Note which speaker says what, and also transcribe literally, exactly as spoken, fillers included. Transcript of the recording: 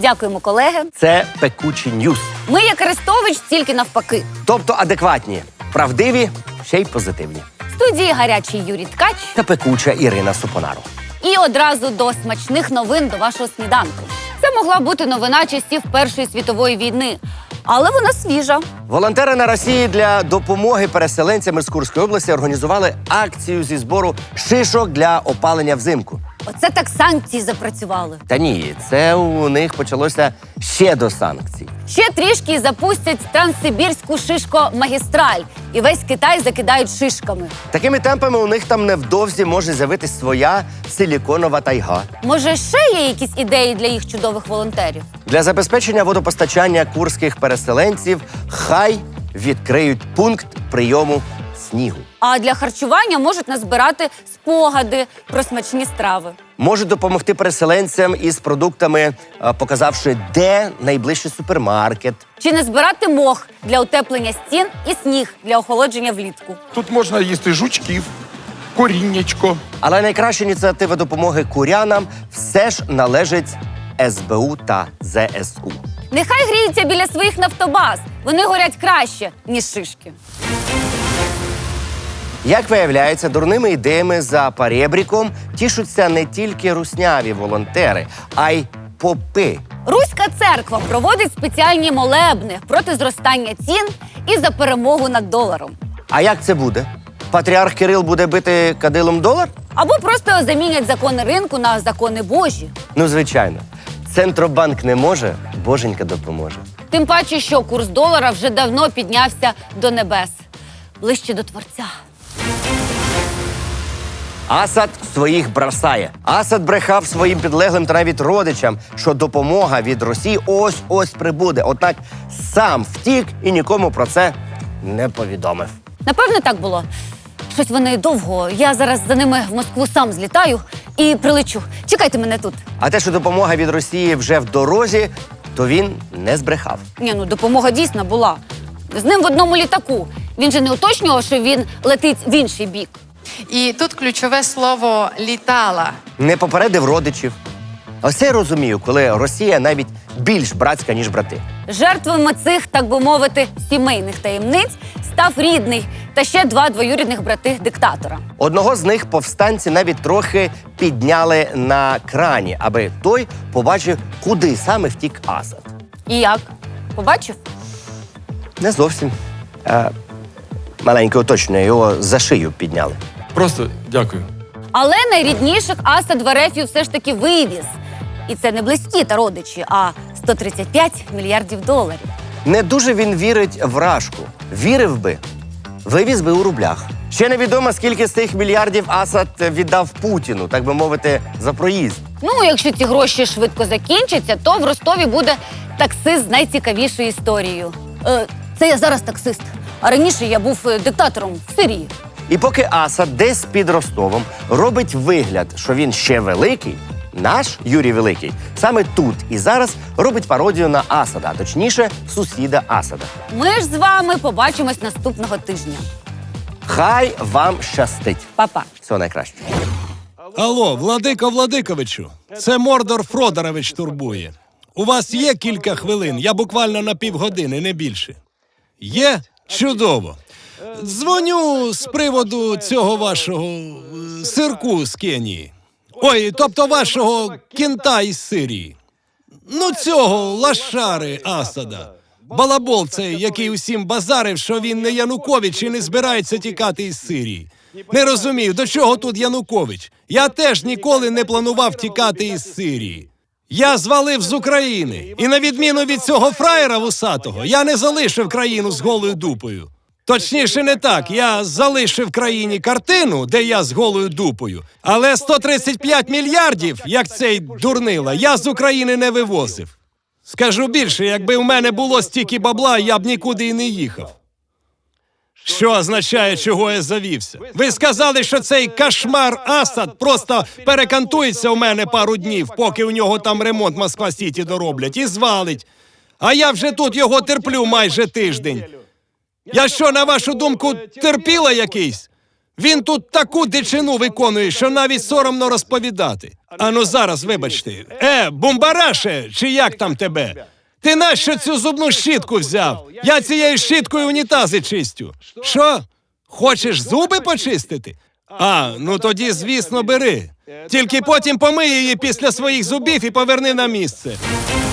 Speaker 1: Дякуємо, колеги.
Speaker 2: Це Пекучі Ньюс.
Speaker 1: Ми, як Арестович, тільки навпаки.
Speaker 2: Тобто адекватні, правдиві, ще й позитивні.
Speaker 1: В студії гарячий Юрій Ткач.
Speaker 2: Та пекуча Ірина Супонару.
Speaker 1: І одразу до смачних новин до вашого сніданку. Це могла бути новина часів Першої світової війни, але вона свіжа.
Speaker 2: Волонтери на Росії для допомоги переселенцям із Курської області організували акцію зі збору шишок для опалення взимку.
Speaker 1: Оце так санкції запрацювали.
Speaker 2: Та ні, це у них почалося ще до санкцій.
Speaker 1: Ще трішки і запустять транссибірську шишко-магістраль. І весь Китай закидають шишками.
Speaker 2: Такими темпами у них там невдовзі може з'явитись своя силіконова тайга.
Speaker 1: Може, ще є якісь ідеї для їх чудових волонтерів?
Speaker 2: Для забезпечення водопостачання курських переселенців хай відкриють пункт прийому снігу.
Speaker 1: А для харчування можуть назбирати спогади про смачні страви.
Speaker 2: Можуть допомогти переселенцям із продуктами, е, показавши, де найближчий супермаркет.
Speaker 1: Чи не збирати мох для утеплення стін і сніг для охолодження влітку.
Speaker 3: Тут можна їсти жучків, коріннячко.
Speaker 2: Але найкраща ініціатива допомоги курянам все ж належить ес бе у та зе ес у.
Speaker 1: Нехай гріються біля своїх нафтобаз. Вони горять краще, ніж шишки.
Speaker 2: Як виявляється, дурними ідеями за парєбріком тішуться не тільки русняві волонтери, а й попи.
Speaker 1: Руська церква проводить спеціальні молебни проти зростання цін і за перемогу над доларом.
Speaker 2: А як це буде? Патріарх Кирил буде бити кадилом долар?
Speaker 1: Або просто замінять закони ринку на закони Божі.
Speaker 2: Ну, звичайно. Центробанк не може, боженька допоможе.
Speaker 1: Тим паче, що курс долара вже давно піднявся до небес. Ближче до Творця.
Speaker 2: Асад своїх бросає. Асад брехав своїм підлеглим та навіть родичам, що допомога від Росії ось-ось прибуде. Однак сам втік і нікому про це не повідомив.
Speaker 1: Напевне, так було. Щось вони довго. Я зараз за ними в Москву сам злітаю і прилечу. Чекайте мене тут.
Speaker 2: А те, що допомога від Росії вже в дорозі, то він не збрехав.
Speaker 1: Ні, ну допомога дійсно була. З ним в одному літаку. Він же не уточнював, що він летить в інший бік.
Speaker 4: І тут ключове слово «літала».
Speaker 2: Не попередив родичів. Ось це я розумію, коли Росія навіть більш братська, ніж брати.
Speaker 1: Жертвами цих, так би мовити, сімейних таємниць став рідний та ще два двоюрідних брати диктатора.
Speaker 2: Одного з них повстанці навіть трохи підняли на крані, аби той побачив, куди саме втік Асад.
Speaker 1: І як? Побачив?
Speaker 2: Не зовсім. А, маленьке уточнення, його за шию підняли.
Speaker 3: Просто дякую.
Speaker 1: Але найрідніших Асад в Ерефію все ж таки вивіз. І це не близькі та родичі, а сто тридцять п'ять мільярдів доларів.
Speaker 2: Не дуже він вірить в Рашку. Вірив би, вивіз би у рублях. Ще невідомо, скільки з цих мільярдів Асад віддав Путіну, так би мовити, за проїзд.
Speaker 1: Ну, якщо ці гроші швидко закінчаться, то в Ростові буде таксист з найцікавішою історією. Е, це я зараз таксист, а раніше я був е, диктатором в Сирії.
Speaker 2: І поки Асад десь під Ростовом робить вигляд, що він ще великий, наш Юрій Великий саме тут і зараз робить пародію на Асада, а точніше, сусіда Асада.
Speaker 1: Ми ж з вами побачимось наступного тижня.
Speaker 2: Хай вам щастить.
Speaker 1: Па-па.
Speaker 2: Всього найкращого.
Speaker 5: Алло, Владико Владиковичу, це Мордор Фродорович турбує. У вас є кілька хвилин, я буквально на півгодини, не більше. Є? Чудово. Дзвоню з приводу цього вашого е, сирку з Кенії. Ой, тобто вашого кінта із Сирії. Ну цього лашари Асада. Балабол цей, який усім базарив, що він не Янукович і не збирається тікати із Сирії. Не розумію, до чого тут Янукович? Я теж ніколи не планував тікати із Сирії. Я звалив з України. І на відміну від цього фраєра вусатого, я не залишив країну з голою дупою. Точніше, не так. Я залишив країні картину, де я з голою дупою. Але сто тридцять п'ять мільярдів, як цей дурнила, я з України не вивозив. Скажу більше, якби в мене було стільки бабла, я б нікуди і не їхав. Що означає, чого я завівся? Ви сказали, що цей кошмар Асад просто перекантується у мене пару днів, поки у нього там ремонт Москва-Сіті дороблять, і звалить. А я вже тут його терплю майже тиждень. Я що, на вашу думку, терпіла якийсь? Він тут таку дичину виконує, що навіть соромно розповідати. Ану зараз, вибачте. Е, бумбараше, чи як там тебе? Ти нащо цю зубну щітку взяв? Я цією щіткою унітази чистю. Що? Хочеш зуби почистити? А, ну тоді, звісно, бери. Тільки потім помий її після своїх зубів і поверни на місце.